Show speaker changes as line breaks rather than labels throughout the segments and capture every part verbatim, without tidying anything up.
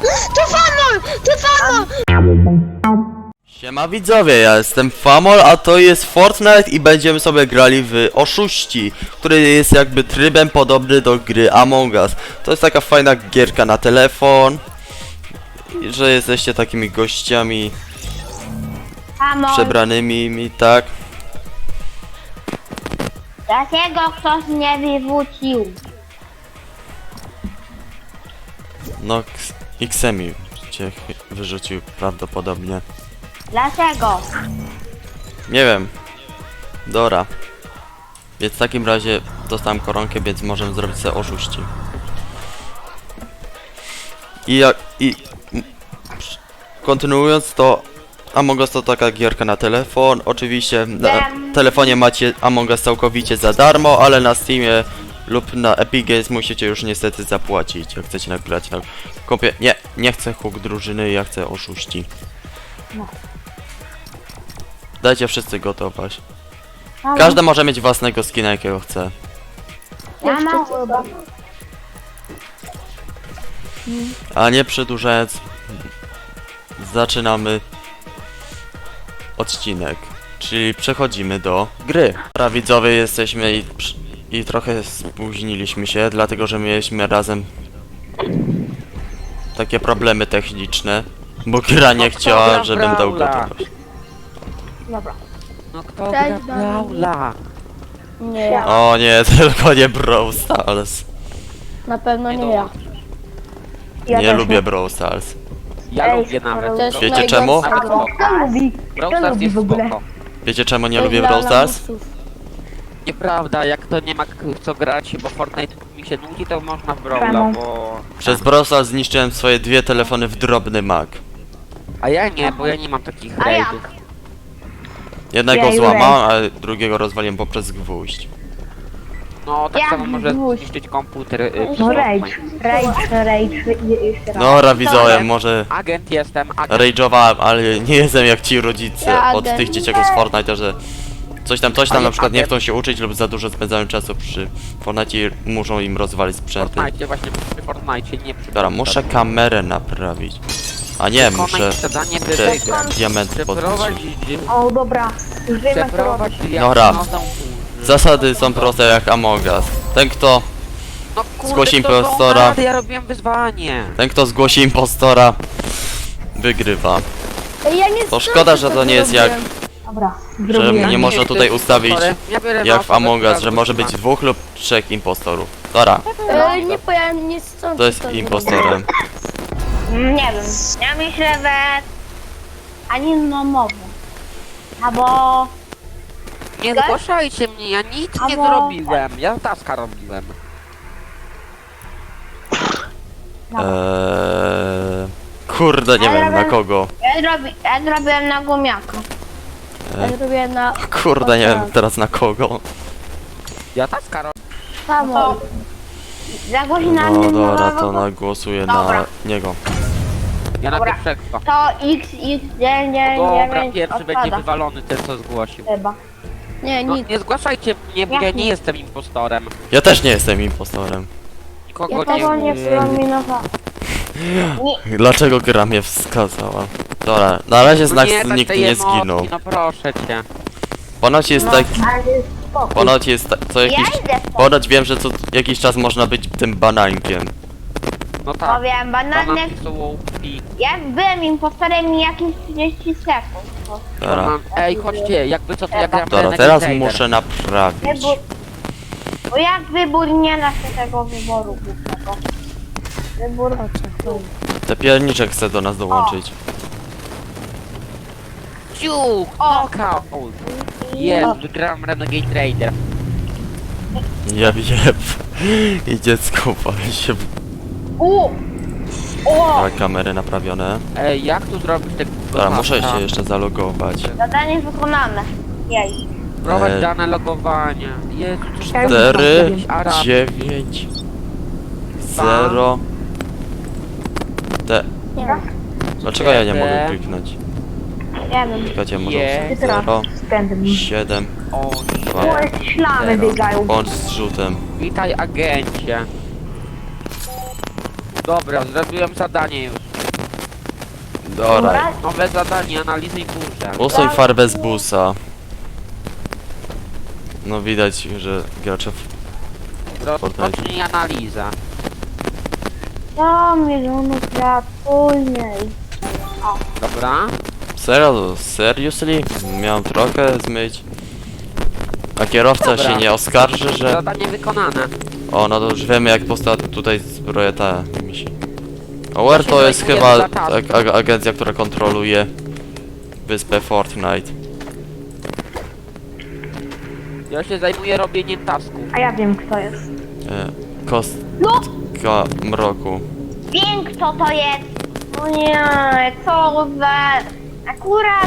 To Famol! To Famol!
Siema widzowie, ja jestem Famol, a to jest Fortnite i będziemy sobie grali w Oszuści, który jest jakby trybem podobny do gry Among Us. To jest taka fajna gierka na telefon, że jesteście takimi gościami
Famol!
przebranymi mi, tak?
Dlaczego ktoś mnie wywrócił?
No, X- Xemi cię ch- wyrzucił prawdopodobnie.
Dlaczego?
Nie wiem. Dobra. Więc w takim razie dostałem koronkę, więc możemy zrobić sobie oszuści. I jak... i... m- przy- kontynuując to... Among Us to taka gierka na telefon. Oczywiście na
Wiem.
telefonie macie Among Us całkowicie za darmo, ale na Steamie lub na Epic Games musicie już niestety zapłacić, jak chcecie nagrać na kompie... Nie, nie chcę hook drużyny, ja chcę oszuści.
No.
Dajcie wszyscy gotować.
Halo?
Każdy może mieć własnego skina, jakiego chce.
Ja mam chyba.
A nie przedłużając, zaczynamy odcinek, czyli przechodzimy do gry. Dobra widzowie, jesteśmy i, przy- i trochę spóźniliśmy się, dlatego że mieliśmy razem takie problemy techniczne, bo gra nie chciała, żebym dał gotowość.
Dobra.
No kto
Cześć,
gra Braula?
Nie ja.
O nie, tylko nie Brawl Stars.
Na pewno nie ja.
Nie lubię Brawl Stars.
Ja
Ej,
lubię nawet.
to jest
Wiecie
najgorsza
czemu?
gra.
Kto lubi?
Brawl
Kto
Stars
lubi
jest
w ogóle?
spoko.
Wiecie czemu nie
To
lubię
jest
Brawl
dla
Stars?
lamusów.
Nieprawda, jak to nie ma k- co grać, bo Fortnite mi się nudzi, to można w Brawla,
Czemu?
bo...
Przez Brawl Stars zniszczyłem swoje dwie telefony w drobny mak.
A ja nie, bo ja nie mam takich
A jak?
raidów.
Jednego
Jej,
złamałem, a drugiego rozwaliłem poprzez gwóźdź.
No, tak
Jak
samo może
gwóźdź?
zniszczyć komputer. y,
No
Fortnite.
rage, rage, rage, je- jeszcze raz.
Dobra widzowie, może
Agent jestem, agent.
rage'owałem, ale nie jestem jak ci rodzice
Ja
od
agent.
tych dzieciaków z Fortnite, że coś tam, coś tam
Ale
na przykład nie
agent.
chcą się uczyć lub za dużo spędzają czasu przy Fortnite i muszą im rozwalić
W
sprzęty.
Fortnite, właśnie przy Fortnite, nie przy...
Dobra, muszę kamerę naprawić. A nie, muszę
zadanie
te
wyżej.
diamenty podwyższyć.
Przeprowadź...
O dobra, już wiemy co
Przeprowadź...
robić.
Dobra.
diagnozę.
Zasady są proste jak Among Us. Ten kto,
No kurde,
Zgłoś
to są
impostora.
rady, ja robiłem wyzwanie.
ten kto zgłosi impostora, wygrywa.
Ej, ja nie
To szkoda, że to nie jest jak,
Dobra,
że
zrobiłem.
nie można tutaj ustawić
Ja biorę
jak w
mapę,
Among Us,
która
że może być dwóch lub trzech impostorów. Dobra,
Ej, nie powiem, nie stąd.
to jest impostorem.
Nie wiem. Ja myślę, że... Ani no mowy. Albo...
Nie
Tak?
zgłaszajcie mnie, ja nic nie
Albo-
zrobiłem. Ja taska robiłem.
Eee, kurde, nie wiem na kogo.
Ja, zrobi... ja zrobiłem na gumiaka. Ja
Eee,
zrobiłem na...
kurde, nie wiem teraz na kogo.
Ja taska robię.
Samo. Zagłosi na
No
mnie
dobra,
nowego-
to nagłosuję na
Dobra.
niego.
Ja na
Dobra.
pierwszego.
To X, X, dziewięć,
Dobra,
dziewięć
pierwszy będzie
odpada.
wywalony ten co zgłosił.
Chyba.
Nie,
No,
nic.
nie zgłaszajcie mnie, bo ja
Jak
nie
nie?
jestem impostorem.
Ja też nie jestem impostorem.
Nikogo
Ja tego nie
nie...
przeminowałam.
Dlaczego gra mnie wskazała? Dobra, na razie
No
znak
nie, tak
nikt
tej
nie
emocji,
zginął.
No proszę cię.
Ponoć jest
No.
tak,
Ale spokój.
ponoć jest ta, co jakiś,
Ja idę stąd.
ponoć wiem, że co jakiś czas można być tym banankiem.
No tak.
Powiem, bananek...
Bananki są łupi.
Ja byłem impostorem i jakieś trzydzieści sekund.
Dobra,
Banan- Ej, chodźcie, jakby co to ja gram
dobra,
Renegade
teraz
Trader.
muszę naprawić.
Wybór... Bo jak wybór nie da się tego wyboru głównego. Wybór...
Te pierniczek chcę do nas dołączyć.
Ciuch!
O!
Knockout! Jest, wygrałem Renegade Trader.
Jeb, jeb. I dziecko pali się.
U! O!
Dobra, kamery naprawione.
Ej, jak tu zrobić tego?
Dobra, muszę się jeszcze zalogować.
Zadanie wykonane. Jej.
Prowadź
E,
dane logowania. Jezu, coś tam
Cztery,
jakiś Arab.
dziewięć, zero. Te.
Nie wiem.
Dlaczego ja nie
Siedem.
mogę kliknąć?
Nie wiem.
Czekajcie, może
Je.
Ty teraz
zero,
z pędem.
siedem,
O,
dwa.
O, ślamy biegają.
Bądź z rzutem.
witaj agencie. Dobra, zrobiłem zadanie już.
Dobra,
Nowe zadanie, analizuj burzę.
usuń farbę z busa. No widać, że gracze... w-
Rozpocznij analizę.
sto milionów lat później.
Dobra?
Serio? Seriously? Miałem trochę zmyć. A kierowca
Dobra.
się nie oskarży, że...
Zadanie wykonane.
O, no to już wiemy jak powstała tutaj zbroja ta misi. Aware
Ja się
to jest
zajmuję
chyba
zataską.
ag ag agencja, która kontroluje wyspę Fortnite.
Ja się zajmuję robieniem tasków.
A ja wiem kto jest.
E, kostka
No!
mroku.
Wiem kto to jest. No nie, co za... Akurat...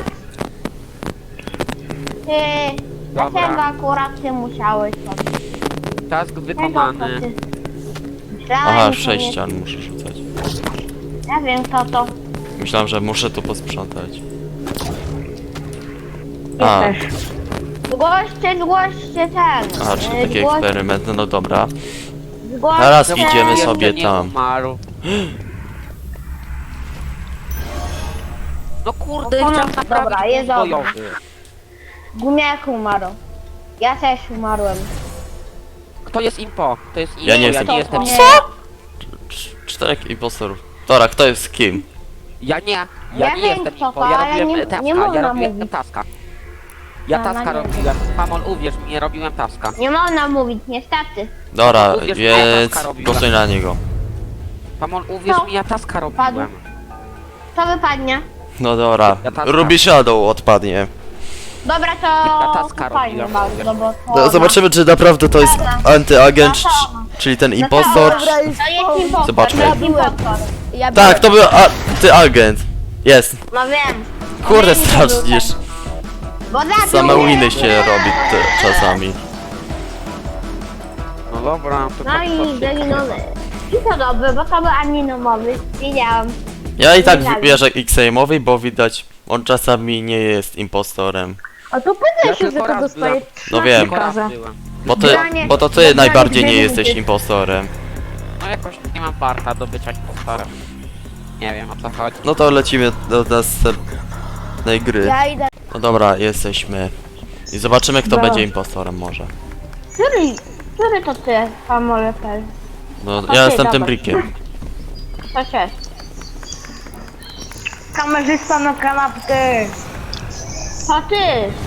Ty...
Dobra.
Dlaczego akurat ty musiałeś to?
Task wykonany.
Myślałem,
Aha,
że to
sześć
nie-
ścian muszę rzucać.
Ja wiem kto to.
Myślałem, że muszę tu posprzątać.
Ja
A,
też.
Zgłoście, zgłoście ten.
aha, czyli
e,
taki
zgłoś-
eksperyment, no dobra.
zgłoście-
Teraz
Czemu
idziemy
jeszcze
sobie
nie
tam.
Umarł? No kurde,
No,
chciałem
dobra,
naprawić
jest
wóz
dobra.
bojowy.
Gumiak umarł. Ja też umarłem.
Kto jest impo? To jest impo,
Ja nie
ja
jestem.
nie jestem.
Nie.
Cz- Czterech impostorów. Dobra, kto jest z kim?
Ja nie, ja
Ja
nie
wiem,
jestem
kto
impo,
to,
ja
ale
robiłem
nie-
e, taska,
nie
ja
można
robiłem
mówić.
taska. Ja
No,
taska
no nie.
robiłem, Pamon uwierz mi, nie robiłem taska.
Nie można mówić, niestety.
Dobra,
Uwierz, ja
więc
taska robiłem.
głosuj na niego.
Pamon uwierz
No.
mi, ja taska
Padł.
robiłem.
Co wypadnie?
No dobra,
Ja taska.
Ruby Shadow odpadnie.
Dobra, to
Ja taska
fajnie
robiłem.
bardzo, bo to...
No, zobaczymy, czy naprawdę to jest antyagent, c- czyli ten impostor.
To jest impostor,
Zobaczmy.
to jest impostor.
Ja
Tak, to był antyagent. Jest.
No wiem.
Kurde,
No wiem, że był
strasznie.
ten. Bo zabił
Same
mnie.
winy się robi te, czasami.
No dobra, to
No
tak
i
patrzcie.
Delinowy. I to dobry, bo to był aninomowy. Wiedziałam.
Ja i tak
Wiedziałem.
wybierzę X-Aimowi, bo widać, on czasami nie jest impostorem.
A to
Ja
pytaj się, że
tylko
to
raz
dostaje
byłem.
No
trzynaście
wiem.
Tylko raz
razy.
byłem.
Bo ty,
Granie-
bo to ty
granie
najbardziej nie
dwie
jesteś
minuty.
impostorem.
No jakoś nie mam parta do bycia impostorem. Nie wiem o co chodzi.
No to lecimy do następnej gry.
Ja idę.
No dobra, jesteśmy. I zobaczymy, kto
Dobra.
będzie impostorem może.
Który, który to ty, Pamolefer?
No,
Okej,
ja jestem tym
dobra.
Brickiem.
To się.
Kamerzysta na kanapkę.
To ty.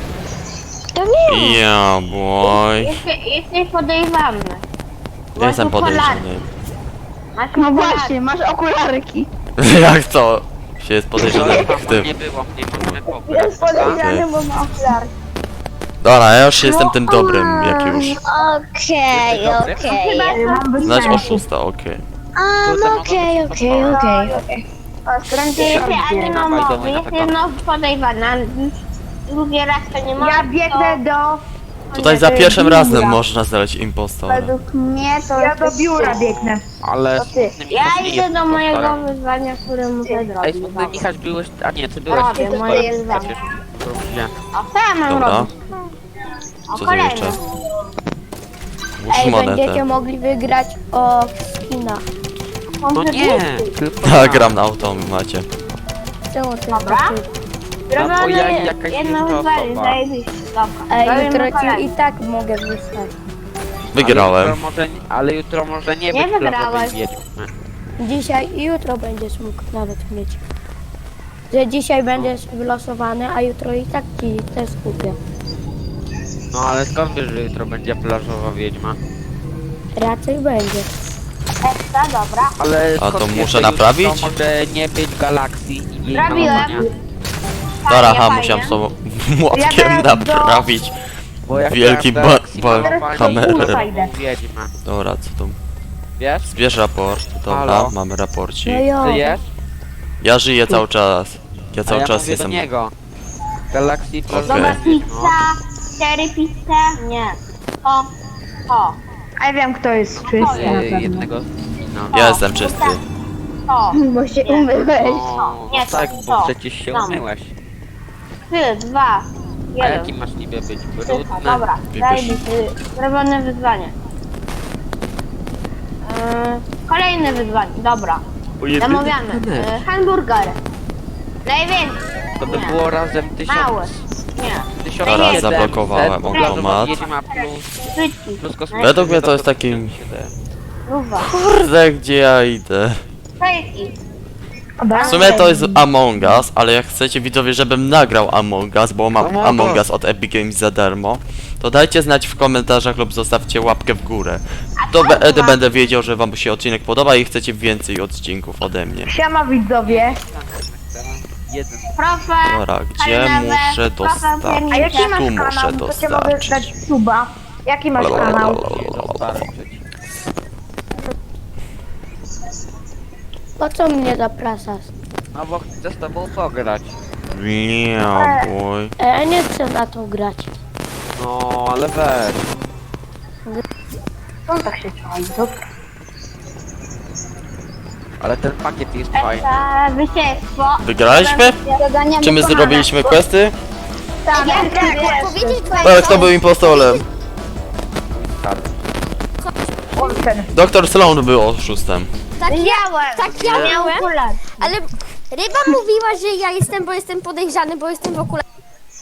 To nie.
Yeah, boy.
Jesteś, jesteś podejrzany.
Ja jestem
Masz okulary.
podejrzany.
Masz
No
okulary.
właśnie, masz okularki.
Jak to? Się jest podejrzany w tym.
Nie było mnie, możemy pograć.
Jest podejrzany, bo ma okularki.
Dobra, ja już jestem tym dobrym, jak już.
Okej,
Dobry?
okej.
Mam
Znać
występ.
oszusta, okej.
Um, okej, okej, okej, okej. Ty jesteś aninomowy,
Dawaj,
jesteś
dawaj.
znowu podejrzana. Drugi raz to nie ma.
Ja biegnę do...
Tutaj za
nie,
pierwszym
biura.
razem można znaleźć impostora.
Według mnie to
Ja do
jesteś
biura
ty.
biegnę.
Ale
To ty.
smutny
Ja
Michał nie
idę
jest
do mojego
impostorem.
wyzwania, które muszę
Ej,
zrobić.
smutny Michał, byłeś... A nie, ty byłeś
Robię
impostorem.
moje zdanie.
Przecież. Dobrze.
A co ja mam
Dobra.
robić? O,
Co tu
kolejny.
jeszcze? Włóż monetę.
mogli wygrać o skinach.
No nie, tylko
Tak,
ja.
gram na automacie.
Czemu ty
Dobra.
No bo ja
Zrobione
jakaś
jedno
inna
wyzwanie,
osoba.
zajebiście. Dobra.
Ej,
Robimy
jutro ci
kolejny.
i tak mogę wystać.
Wygrałem.
Ale jutro może, ale jutro może nie,
Nie
być
wygrałeś.
plażowej wiedźmy.
Dzisiaj i jutro będziesz mógł nawet mieć. Że dzisiaj będziesz wylosowany, a jutro i tak ci też kupię.
No ale skąd wiesz, że jutro będzie plażowa wiedźma?
Raczej będzie.
Ekstra, dobra.
Ale
A
skąd
to
wiesz,
muszę
że
naprawić?
jutro może nie być galakcji i jej
Zrobiłem.
malowania?
Dobra,
Fajnie,
ha,
fajnie.
musiałem z tą młotkiem
Ja teraz do-
naprawić.
Bo jak
Wielki
ja
ba-
galakcji
ba-
malowania,
kamerę.
to
Fajne.
wiedźma.
Dobra, co tu?
Wiesz?
Zbierz raport. Dobra,
Halo?
mamy raporcik.
No jo.
Ty jesz?
Ja żyję cały czas. Ja
A
cały
ja
czas
mówię
jestem...
do niego. Galakcji plażowej.
Okej.
Dobra, pizza, cztery pizze, nie. O, o,
A ja wiem kto jest czysty na
No,
pewno.
jednego... No.
Ja jestem czysty.
o.
Bo się umyłeś.
No,
Nie,
no
to-
tak,
to.
bo przecież się
Tam.
umyłeś.
Trzy, dwa,
A
jeden.
jaki masz niby być?
Trzy,
Brudny?
dobra,
Wybierz.
zajebiście. Zrobione wyzwanie. Yy, kolejne wyzwanie, dobra. Zamawiamy. Yy, hamburger. Najwięcej.
To by było razem tysiąc.
Małe. Nie.
tysiąc
Dobra,
siedemset,
zablokowałem
plus
automat.
Wiedźma plus,
Szybki.
plus kosmetyki,
Według mnie to jest
to
taki-
siedem.
Luwa.
Kurde, gdzie ja idę?
Fejki.
W sumie to jest Among Us, ale jak chcecie widzowie, żebym nagrał Among Us, bo mam
Among
Among
Us.
Us od Epic Games za darmo, to dajcie znać w komentarzach lub zostawcie łapkę w górę. To wtedy będę wiedział, że wam się odcinek podoba i chcecie więcej odcinków ode mnie.
Siema widzowie.
Jeden.
Profe.
Dobra, gdzie
Kalinowe,
muszę
profe,
dostać?
A jaki
piernicze.
masz
Tu muszę
kanał? To cię mogę
dostarczyć.
dać suba. Jaki masz kanał?
Dostarczyć.
Po co mnie zapraszasz?
No bo chcę z tobą pograć.
Yeah, boy.
E, ja nie chcę na to grać.
No, ale weź.
On tak się czai, dobra.
Ale ten pakiet jest fajny.
Esa, wyciekło.
Wygraliśmy? Czy my zrobiliśmy questy?
Tak, tak, tak.
Powiedzieć dwa
Ale kto był impostorem?
On ten.
Doktor Sloan był oszustem.
tak ja,
Miałem.
tak ja miałem, ale ryba mówiła, że ja jestem, bo jestem podejrzany, bo jestem w okularach.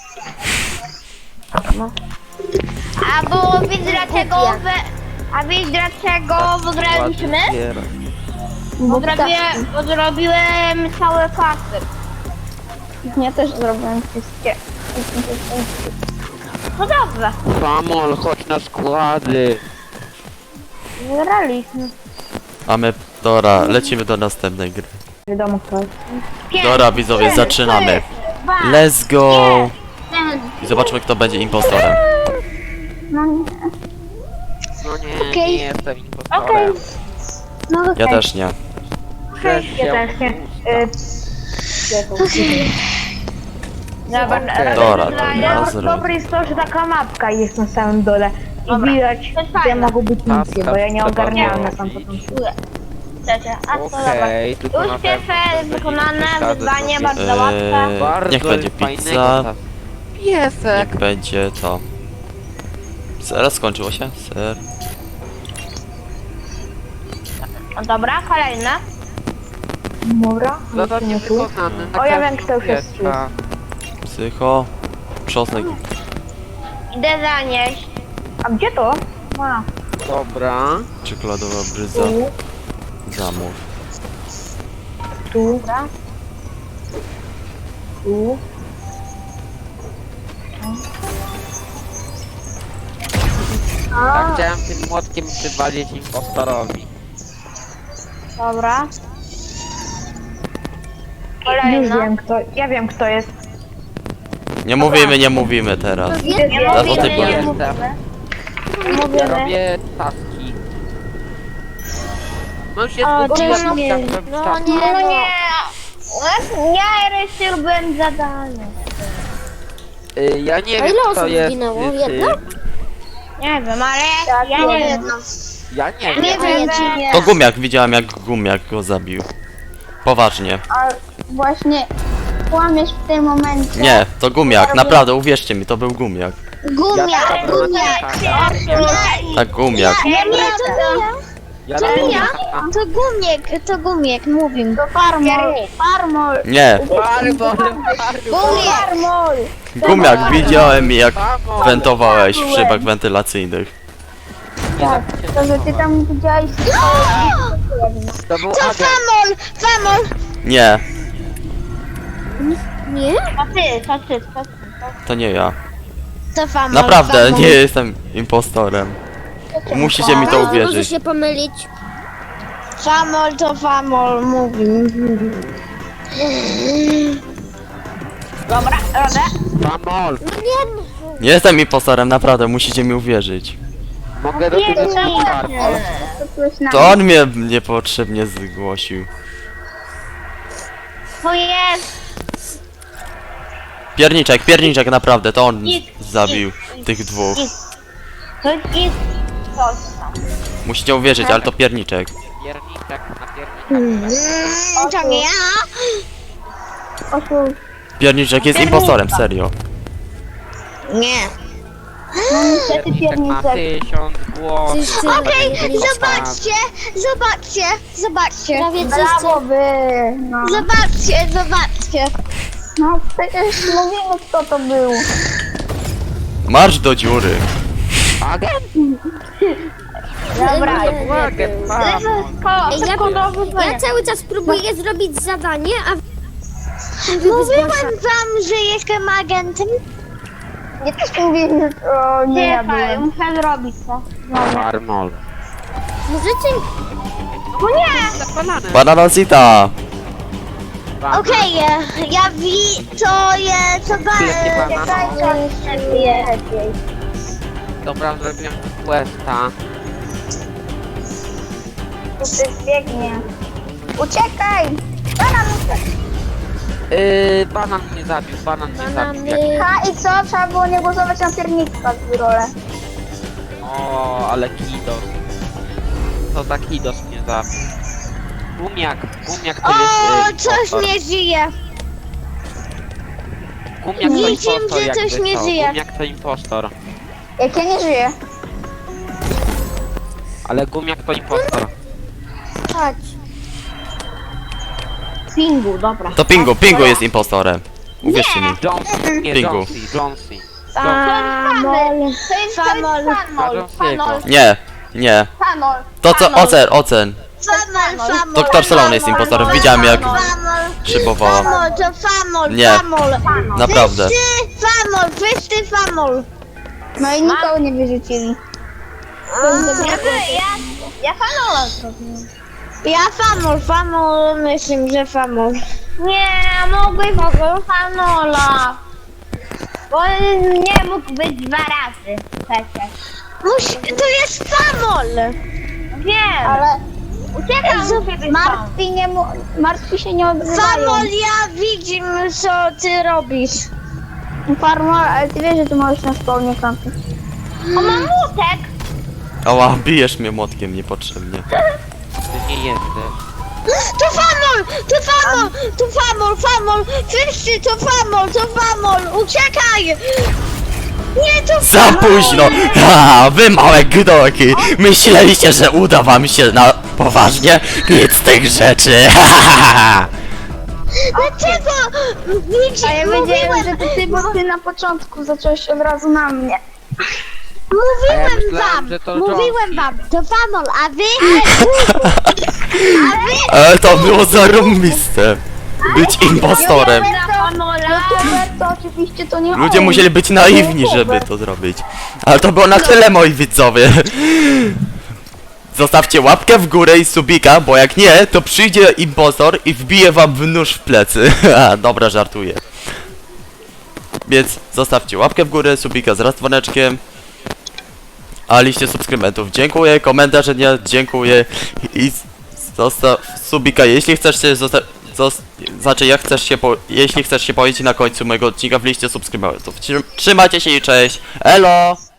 A bo wiesz dlaczego wy... A wiesz dlaczego wygraliśmy? Bo zrobiłem, bo zrobiłem całe pasy.
Ja też zrobiłem wszystkie.
No dobrze.
Famol, chodź na składy.
Wygraliśmy.
A my, dobra, lecimy do następnej gry.
Wiadomo kto jest.
Dobra widzowie, zaczynamy. Let's go! I zobaczmy kto będzie impostorem.
No nie, nie jestem impostorem.
No okej.
Ja też nie.
Też
Ja
się
też nie. Y,
Dobra,
Okej.
Dobra, to
dobra,
ja
Dobre
zrobię.
dobre jest to, że taka mapka jest na samym dole. I
Dobra.
widać,
To jest
gdzie
fajne.
mogą być
Tak,
misje,
tak,
bo ja nie
trzeba
ogarniałem na
było.
sam początku.
Cześć, a to dobra.
Okej, tylko
Już
na
pierwsze
pewno będzie
wykonane
przesady
wyzwanie,
zrobię.
bardzo łatwe.
Eee,
Bardzo
niech będzie
fajnego
pizza,
ta- Piesek.
niech będzie to. Zaraz skończyło się? Ser.
No dobra, kolejne.
Dobra,
Zadanie
nie tu.
wykonane.
O, ja wiem, kto już jest
Pieska.
Psycho. Czosnek.
Idę zanieść.
A gdzie to? A,
Dobra.
Czekoladowa bryza.
tu,
Zamów.
tu, tu.
Tak chciałem tym młotkiem przywalić impostorowi.
Dobra.
Już
Kolejna.
wiem kto, ja wiem kto jest.
Nie mówimy, nie mówimy teraz.
Nie
Zaraz o
mówimy,
tym
nie
powiem.
mówimy. Nie
Ja
mówimy.
robię taski. No już jest
O,
godzina,
czemu
to
nie?
chciałem
No
taski.
nie.
No nie. Ja jeszcze robiłem zadanie.
Y, Ja nie
A
wiem
ile
kto
osób
jest.
zginęło?
y,
Jedno?
tym.
Nie wiem, ale ja nie wiem.
Ja nie
Nie
wiem.
wiem.
To gumiak, widziałem jak gumiak go zabił. Poważnie.
Właśnie kłamiesz w tym momencie.
Nie, to gumiak, naprawdę, uwierzcie mi, to był gumiak.
Gumia,
Ja
gumia.
Tak, gumiak.
Nie, nie, to nie ja.
Ja
To
robię
nie ja.
taka.
To gumiek, to gumiek, mówię. To farmol. Farmol.
Nie,
Barbol,
Farmol.
gumiak, widziałem jak wentowałeś w szybach wentylacyjnych.
Tak, to że ty tam widziałeś.
To był
To
agent.
famol, famol.
Nie,
Nie?
To ty, to ty, to ty.
to nie ja.
To famol.
Naprawdę,
famol.
nie jestem impostorem. Musicie mi to
Może
uwierzyć.
się pomylić.
Famol to famol, mówi.
Dobra, robię.
Famol.
Nie jestem impostorem, naprawdę, musicie mi uwierzyć.
Mogę do tego Farmol.
To on mnie niepotrzebnie zgłosił.
To jest.
Pierniczek, pierniczek, naprawdę, to on zabił tych dwóch.
To jest coś tam.
Musicie uwierzyć, ale to pierniczek.
Pierniczek na pierniczek.
Mm, to nie ja.
Pierniczek jest impostorem, serio.
Nie.
Niestety
Tak ma
pierniczek.
tysiąc głosów.
Wszyscy
Okej,
robili
zobaczcie, zobaczcie, zobaczcie.
prawie
Brawo
wszyscy.
wy, no.
Zobaczcie, zobaczcie.
No przecież mówimy kto to był.
Marsz do dziury.
Agent?
Dobra,
To był agent, Famol.
ko,
Ej, ja,
sekundowy
ja
dzwonię.
cały czas próbuję zrobić zadanie, a
Mówiłem wam, że jestem agentem.
Ja też mówiłem, że to nie ja
Czekaj,
byłem.
muszę zrobić to.
Farmol.
możecie...
No nie!
Zapalane.
Bananazita.
Okej, e, ja wi, to jest, to ba,
Wielkie
e,
banany.
Lepiej.
Dobra, zrobiłem questa.
Tu ty biegnie. Uciekaj! Banan uciekł.
Yy, banan mnie zabił, banan mnie zabił. Jak...
Banany...
Ha i co? Trzeba było nie głosować na pierniczka w rolę.
O, ale kidos. Co za kidos mnie zabił. Gumiak, gumiak to
O,
jest... Yy,
coś
impostor.
nie żyje.
Gumiak to
Widzim,
impostor,
że coś
jakby
nie
co.
żyje.
Gumiak to impostor.
Jak ja nie żyję.
Ale gumiak to impostor.
Chodź.
Pingu, dobra.
To Pingu, Pingu jest impostorem. Uwierzcie mi.
Jonesy, nie,
Pingu.
Jonesy, Jonesy.
Famol.
To jest, to jest
Famol.
fanol. Fanol.
Nie, nie.
Fanol.
To co, ocen, ocen.
Famol, famol.
Doktor Salon jest impostorem, widziałem jak
Famol.
szybowała.
Famol, to famol,
Nie.
famol.
Naprawdę.
Wszyscy famol, wszyscy famol.
No i nikogo nie wyrzucili.
Ja, ja, ja fanola zrobiłem.
Ja famol, famol, myślę, że famol.
Nie, mogłeś fanola. Bo nie mógł być dwa razy przecież.
Musi, to jest famol.
Wiem.
Ale
Uciekam
Ej,
od ciebie
martwi, nie mu, martwi się nie odzywają.
Famol, ja widzimy, co ty robisz.
Farma, ale ty wiesz, że tu możesz na spawnie kampić.
O, mam młotek.
Ała, bijesz mnie młotkiem niepotrzebnie.
Ty nie jesteś.
To famol, to famol, to famol, famol. Wszyscy to famol, to famol. Uciekaj. Nie, to
Za
famol.
późno! Ha, wy małe gdoki! Myśleliście, że uda wam się na poważnie? Nic z tych rzeczy! Ha, ha, ha, ha.
Dlaczego? Widzisz,
A ja wiedziałem,
mówiłem,
że to ty, bo ty na początku zacząłeś od razu na mnie.
A ja
mówiłem
myślałem,
wam,
że to
mówiłem
Jonesy.
wam, to famol, a wy? A wy?
Ale to było zarąbiste! Być impostorem!
Roberto, oczywiście to nie
Ludzie
on.
musieli być naiwni, żeby to zrobić. Ale to było na tyle, moi widzowie. Zostawcie łapkę w górę i subika, bo jak nie, to przyjdzie impostor i wbije wam w nóż w plecy. A, dobra, żartuję. Więc zostawcie łapkę w górę, subika z dzwoneczkiem. A liście subskrybentów dziękuję, komentarze nie dziękuję i zostaw subika, jeśli chcesz się zostać, znaczy jak chcesz się po, jeśli chcesz się pojawić na końcu mojego odcinka w liście subskrybentów. Trzymajcie się i cześć, elo!